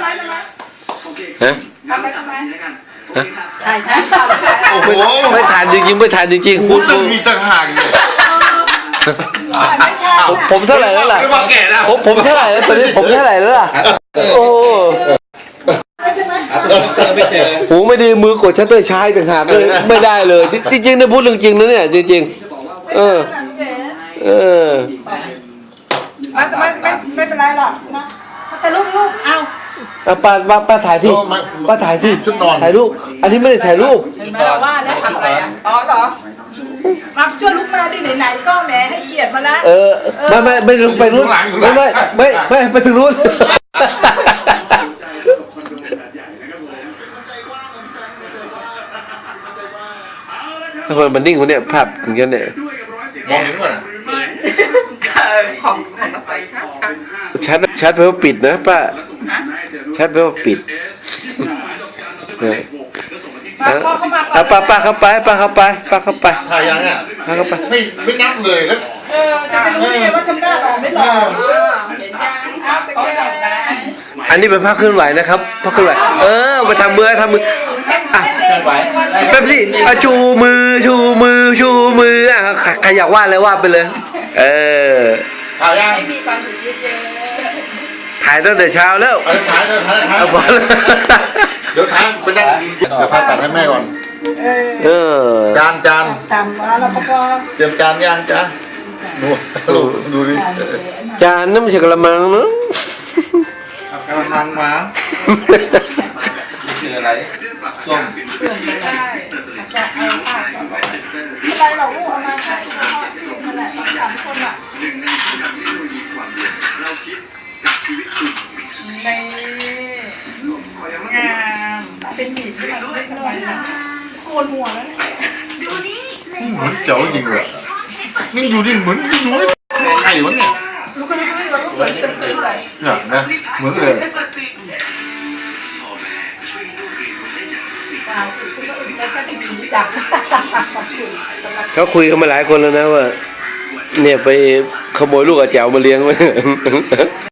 ฮะทำไปทำไมถ่ายโอ้โหไม่ทานจริงๆไม่ทานจริงๆพูคุดณตึงมีต่างหากเนี่ยผมเท่าไหร่แล้วล่ะไม่ว่าแก่แล้วผมเท่าไหร่แล้วตอนนี้ผมเท่าไหร่แล้วล่ะโอ้หูไม่ดีมือกดชัตเตอร์ช้าต่างหากเลยไม่ได้เลยจริงๆนะพูดเรื่องจริงนะเนี่ยจริงๆเออไม่เป็นไรหรอกนะแต่ลูกเอาเอาป้าถ่ายที่ป้าถ่ายที่ชุดนอนถ่ายรูปอันนี้ไม่ได้ถ่ายรูปเห็นไหมเราว่าแล้วทำอะไรอ่ะอ๋อเหรอมาช่วยลุกมาดิไหนๆก็แหมให้เกียรติมาแล้วไม่ลงไปนู้นไม่ไปถึงนู้นทำไมมันนิ่งคนเนี้ยภาพถึงกันเนี่ยมองเห็นก่อนของเราไปชัดไปว่าปิดนะป้าชัดไปว่าปิดป้าเข้าไปถ่ายยังอ่ะป้าเข้าไปไม่นับเลยแล้วจะไปรู้ได้ไงว่าทำหน้าหล่อไม่หล่อเห็นยังเขาหล่อนะอันนี้เป็นภาพเคลื่อนไหวนะครับภาพเคลื่อนไหวมาทำมืออ่ะแป๊บสิชูมืออ่ะใครอยากวาดอะไรวาดไปเลยถ่ายยังมีความสุขเยอะถ่ายตั้งแต่เช้าแล้วถ่ายพอแล้วเดี๋ยวถ่ายไปนั่งเดี๋ยวพาตัดให้แม่ก่อนจานทำมาแล้วก็เตรียมจานย่างจ้าดูดิจานนั่นไม่ใช่กระมังเนาะกำลังมาคืออะไรส้มได้จะเอาผ้าอะไรเราเอามาใช้มาแหละสามคนอ่ะในงามเป็นหมีที่เราไม่ทำไมโกนหัวแล้วเหมือนเจ๋อจริงเลยนี่อยู่ดิเหมือนอยู่ไข่วะเนี่ยลูกคนนี้เราก็สวยเต็มเลยเนี่ยนะเหมือนเลยเขาคุยกันมาหลายคนแล้วนะว่าเนี่ยไปขโมยลูกอาแจ๋วมาเลี้ยงไว้